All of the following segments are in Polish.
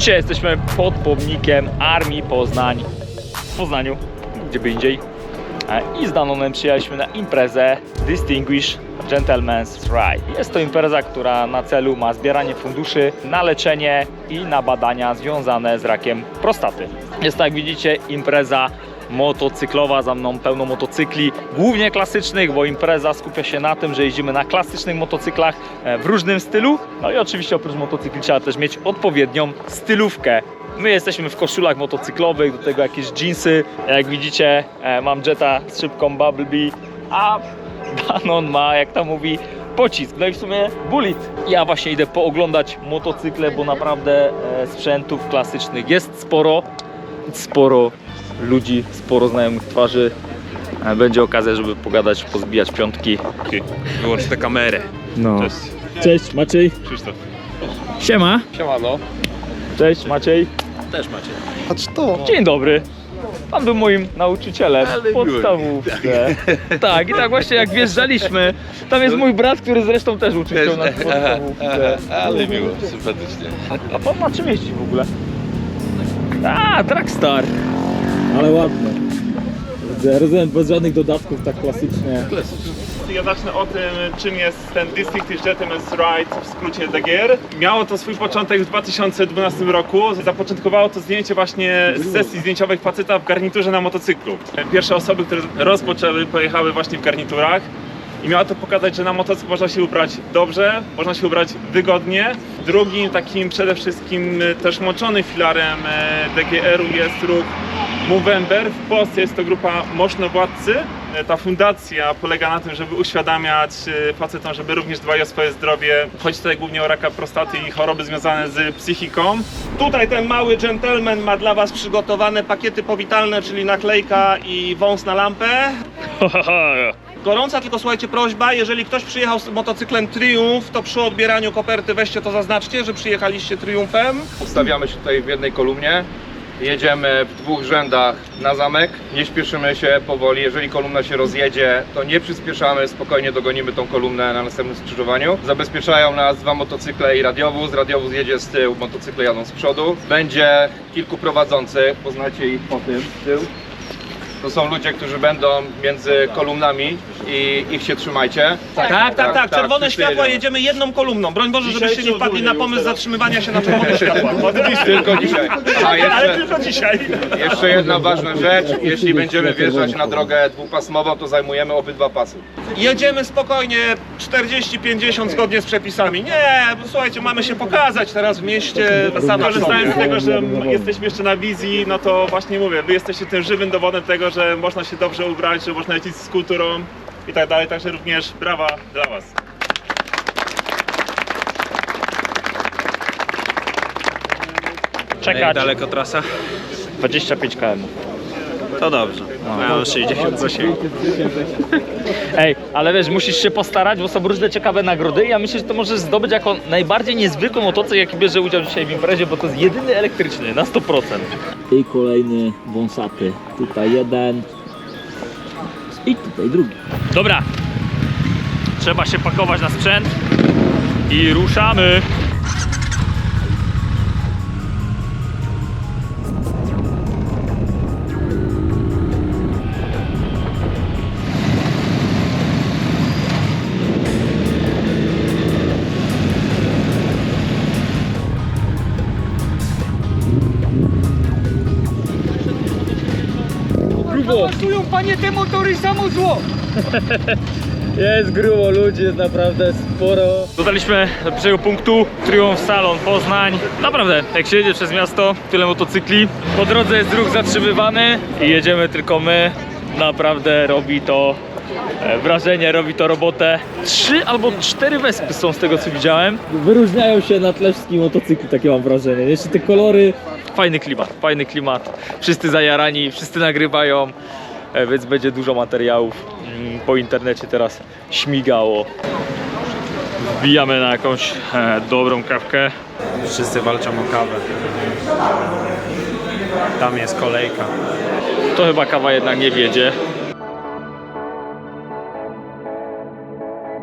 Dzisiaj jesteśmy pod pomnikiem Armii Poznań w Poznaniu, gdzie by indziej. I z Danonem przyjechaliśmy na imprezę Distinguished Gentleman's Ride. Jest to impreza, która na celu ma zbieranie funduszy na leczenie i na badania związane z rakiem prostaty. Jest to, jak widzicie, impreza motocyklowa, za mną pełno motocykli, głównie klasycznych, bo impreza skupia się na tym, że jeździmy na klasycznych motocyklach w różnym stylu. No i oczywiście oprócz motocykli trzeba też mieć odpowiednią stylówkę. My jesteśmy w koszulach motocyklowych, do tego jakieś jeansy. Jak widzicie, mam Jetta z szybką Bumblebee, a Danon ma, jak to mówi, pocisk. No i w sumie Bullet. Ja właśnie idę pooglądać motocykle, bo naprawdę sprzętów klasycznych jest sporo ludzi, sporo znajomych twarzy. Będzie okazja, żeby pogadać, pozbijać piątki. Wyłącz tę kamerę. No. Cześć. Cześć Maciej. Krzysztof. Siema. Siemano. Cześć Maciej. Też macie. Patrz to! Dzień dobry. Pan był moim nauczycielem w podstawówce. Tak, i tak właśnie jak wjeżdżaliśmy, tam jest mój brat, który zresztą też uczył się na podstawówce. Ale miło, sympatycznie. A pan na czym jeździ w ogóle? A, Dragstar. Ale ładne. Rozumiem, bez żadnych dodatków, tak klasycznie. Ja zacznę o tym, czym jest ten Distinguished Gentleman's Ride, w skrócie DGR. Miało to swój początek w 2012 roku. Zapoczątkowało to zdjęcie właśnie z sesji zdjęciowej faceta w garniturze na motocyklu. Pierwsze osoby, które rozpoczęły, pojechały właśnie w garniturach. I miało to pokazać, że na motocykl można się ubrać dobrze, można się ubrać wygodnie. Drugim takim przede wszystkim też łączonym filarem DGR-u jest ruch Movember. W Polsce jest to grupa Moszno-Władcy. Ta fundacja polega na tym, żeby uświadamiać facetom, żeby również dbali o swoje zdrowie. Chodzi tutaj głównie o raka prostaty i choroby związane z psychiką. Tutaj ten mały gentleman ma dla Was przygotowane pakiety powitalne, czyli naklejka i wąs na lampę. Gorąca tylko, słuchajcie, prośba, jeżeli ktoś przyjechał z motocyklem Triumph, to przy odbieraniu koperty weźcie to zaznaczcie, że przyjechaliście Triumfem. Ustawiamy się tutaj w jednej kolumnie. Jedziemy w dwóch rzędach na zamek, nie śpieszymy się powoli. Jeżeli kolumna się rozjedzie, to nie przyspieszamy, spokojnie dogonimy tą kolumnę na następnym skrzyżowaniu. Zabezpieczają nas dwa motocykle i radiowóz jedzie z tyłu, motocykle jadą z przodu. Będzie kilku prowadzących, poznacie ich po tym z tyłu. To są ludzie, którzy będą między kolumnami i ich się trzymajcie. Tak. Czerwone wszyscy światła, jedziemy. jedziemy jedną kolumną. Broń Boże, żebyście nie wpadli na pomysł zatrzymywania się na czerwone światła. Tylko dzisiaj. A Ale tylko dzisiaj. jeszcze jedna ważna rzecz, jeśli będziemy wjeżdżać na drogę dwupasmową, to zajmujemy obydwa pasy. Jedziemy spokojnie 40-50 zgodnie z przepisami. Nie, słuchajcie, mamy się pokazać teraz w mieście. Korzystając z tego, że jesteśmy jeszcze na wizji, no to właśnie mówię, wy jesteście tym żywym dowodem tego, że można się dobrze ubrać, że można lecieć z kulturą i tak dalej, także również brawa dla Was. Czekać. Daleko trasa? 25 km. To dobrze. Ja mam 60 zasięgu. Ej, ale wiesz, musisz się postarać, bo są różne ciekawe nagrody i ja myślę, że to możesz zdobyć jako najbardziej niezwykły motocykl, jaki bierze udział dzisiaj w imprezie, bo to jest jedyny elektryczny, na 100%. I kolejny wąsaty. Tutaj jeden. I tutaj drugi. Dobra. Trzeba się pakować na sprzęt i ruszamy. Awansują, panie, te motory samo zło! Jest grubo, ludzi jest naprawdę sporo. Dotarliśmy do pierwszego punktu, Triumph Salon Poznań. Naprawdę, jak się jedzie przez miasto, tyle motocykli. Po drodze jest ruch zatrzymywany i jedziemy tylko my. Naprawdę robi to wrażenie, robi to robotę. 3 albo 4 wespy są z tego, co widziałem. Wyróżniają się na tle wszystkich motocykli, takie mam wrażenie. Jeszcze te kolory. Fajny klimat. Wszyscy zajarani, wszyscy nagrywają, więc będzie dużo materiałów. Po internecie teraz śmigało. Wbijamy na jakąś dobrą kawkę. Wszyscy walczą o kawę. Tam jest kolejka. To chyba kawa jednak nie wiedzie.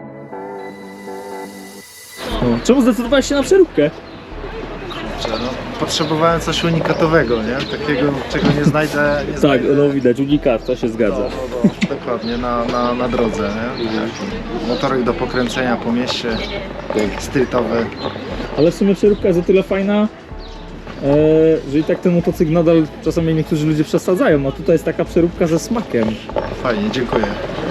Czemu zdecydowałeś się na przeróbkę? No, potrzebowałem coś unikatowego, nie? Takiego, czego nie znajdę. Nie Tak, znajdę. no widać, unikat, to się zgadza. Dokładnie, na drodze, nie? Motorek do pokręcenia po mieście, streetowy. Ale w sumie przeróbka jest o tyle fajna, że i tak ten motocykl nadal czasami niektórzy ludzie przesadzają, a tutaj jest taka przeróbka ze smakiem. Fajnie, dziękuję.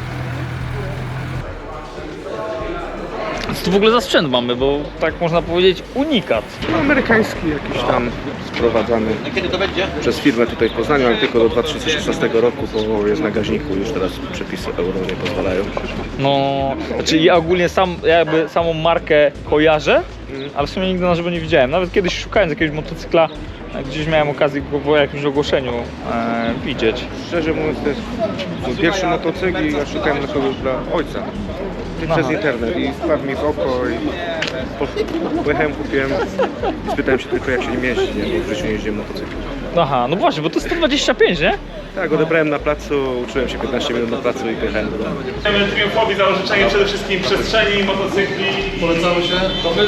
Co tu w ogóle za sprzęt mamy, bo tak można powiedzieć unikat. Amerykański jakiś tam sprowadzany przez firmę tutaj w Poznaniu, ale tylko do 2016 roku, bo jest na gaźniku, już teraz przepisy euro nie pozwalają. No, znaczy ja ogólnie jakby samą markę kojarzę, ale w sumie nigdy na żywo nie widziałem. Nawet kiedyś szukając jakiegoś motocykla, gdzieś miałem okazję go w jakimś ogłoszeniu widzieć. Szczerze mówiąc, to jest mój pierwszy motocykl i ja szukałem na kogoś dla ojca. I przez internet i wpadł mi w oko i pojechałem, kupiłem i spytałem się tylko jak się nim jeździ, nie? Bo w życiu nie jeździłem motocyklem. Aha, no właśnie, bo to jest 125, nie? Tak, odebrałem na placu, uczyłem się 15 minut na placu i pojechałem do domu. Chcemy Triumfowi za życzenie przede wszystkim przestrzeni, motocykli. Polecamy się.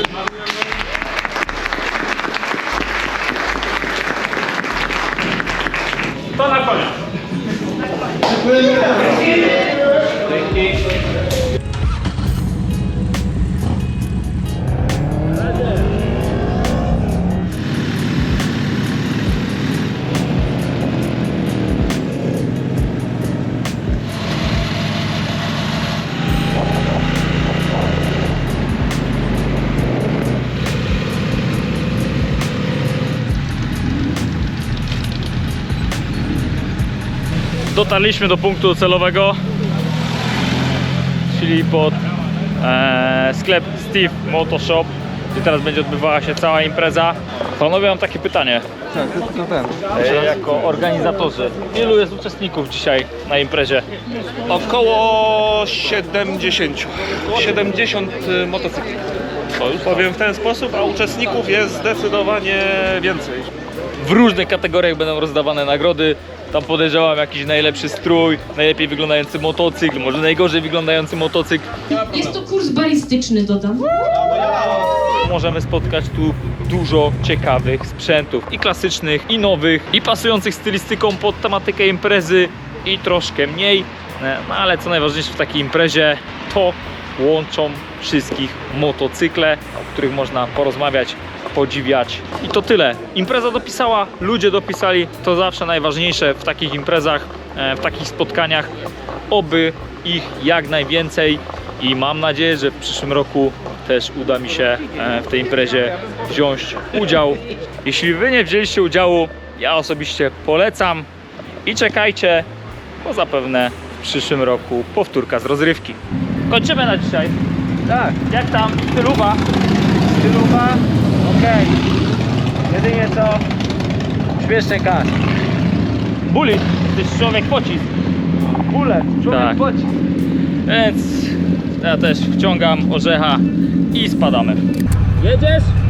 To na koniec. Dotarliśmy do punktu docelowego, czyli pod sklep Steve Moto Shop, gdzie teraz będzie odbywała się cała impreza. Panowie, mam takie pytanie. Jako organizatorzy, ilu jest uczestników dzisiaj na imprezie? Około 70. 70 motocykli. Powiem w ten sposób, a uczestników jest zdecydowanie więcej. W różnych kategoriach będą rozdawane nagrody. Tam podejrzewam jakiś najlepszy strój, najlepiej wyglądający motocykl, może najgorzej wyglądający motocykl. Jest to kurs balistyczny, dodam. Możemy spotkać tu dużo ciekawych sprzętów i klasycznych, i nowych, i pasujących stylistyką pod tematykę imprezy, i troszkę mniej. No ale co najważniejsze w takiej imprezie, to łączą wszystkich motocykle, o których można porozmawiać, podziwiać. I to tyle. Impreza dopisała, ludzie dopisali, to zawsze najważniejsze w takich imprezach, w takich spotkaniach. Oby ich jak najwięcej i mam nadzieję, że w przyszłym roku też uda mi się w tej imprezie wziąć udział. Jeśli wy nie wzięliście udziału, ja osobiście polecam i czekajcie, bo zapewne w przyszłym roku powtórka z rozrywki. Kończymy na dzisiaj. Tak. Jak tam? Styluwa? Styluwa? Okej. Jedynie co? Śmieszny kasz. Buli, to jest człowiek pocisk. Bule, człowiek pocisk. Więc ja też wciągam orzecha i spadamy. Jedziesz?